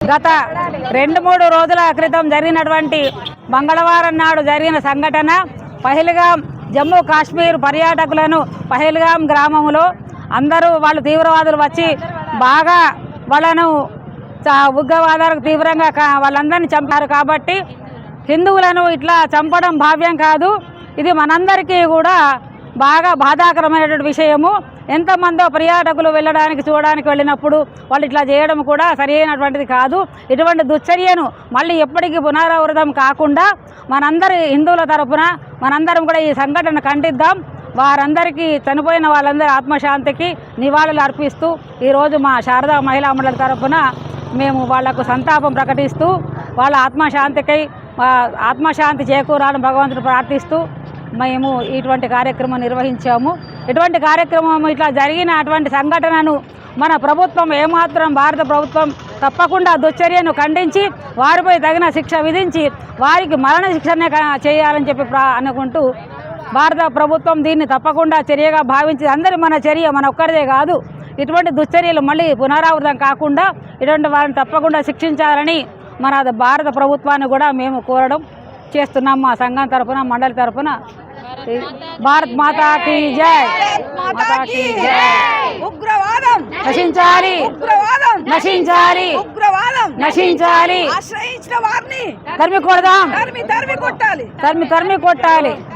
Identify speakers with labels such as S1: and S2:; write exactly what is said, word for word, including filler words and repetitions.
S1: గత రెండు మూడు రోజుల క్రితం జరిగినటువంటి మంగళవారం నాడు జరిగిన సంఘటన పహల్గాం జమ్మూ కాశ్మీర్ పర్యాటకులను పహల్గాం గ్రామంలో అందరూ వాళ్ళు తీవ్రవాదులు వచ్చి బాగా వాళ్ళను ఉగ్రవాదాలకు తీవ్రంగా వాళ్ళందరినీ చంపారు. కాబట్టి హిందువులను ఇట్లా చంపడం భావ్యం కాదు. ఇది మనందరికీ కూడా బాగా బాధాకరమైనటువంటి విషయము. ఎంతమందో పర్యాటకులు వెళ్ళడానికి చూడడానికి వెళ్ళినప్పుడు వాళ్ళు ఇట్లా చేయడం కూడా సరైనటువంటిది కాదు. ఇటువంటి దుశ్చర్యను మళ్ళీ ఎప్పటికీ పునరావృతం కాకుండా మనందరి హిందువుల తరపున మనందరం కూడా ఈ సంఘటన ఖండిద్దాం. వారందరికీ చనిపోయిన వాళ్ళందరి ఆత్మశాంతికి నివాళులు అర్పిస్తూ ఈరోజు మా శారదా మహిళా మండలి తరపున మేము వాళ్లకు సంతాపం ప్రకటిస్తూ వాళ్ళ ఆత్మశాంతికై ఆత్మశాంతి చేకూరాలని భగవంతుడు ప్రార్థిస్తూ మేము ఇటువంటి కార్యక్రమం నిర్వహించాము. ఇటువంటి కార్యక్రమం ఇట్లా జరిగిన అటువంటి సంఘటనను మన ప్రభుత్వం ఏమాత్రం భారత ప్రభుత్వం తప్పకుండా దుశ్చర్యను ఖండించి వారిపై తగిన శిక్ష విధించి వారికి మరణ శిక్షనే చేయాలని చెప్పి అనుకుంటూ భారత ప్రభుత్వం దీన్ని తప్పకుండా చర్యగా భావించి అందరి మన చర్య మన ఒక్కరిదే కాదు, ఇటువంటి దుశ్చర్యలు మళ్ళీ పునరావృతం కాకుండా ఇటువంటి వారిని తప్పకుండా శిక్షించాలని మన భారత ప్రభుత్వాన్ని కూడా మేము కోరడం చేస్తున్నాం. మా సంఘం తరఫున మండలి తరఫున భారత్ మాతా కీ జై, మాతా కీ జై.
S2: ఉగ్రవాదం
S1: నశించాలి,
S2: ఉగ్రవాదం
S1: నశించాలి,
S2: ఉగ్రవాదం
S1: నశించాలి.
S2: ఆశ్రయించిన వారిని
S1: తరిమి కొడదాం,
S2: తరిమి తరిమి కొట్టాలి,
S1: తరిమి తరిమి కొట్టాలి.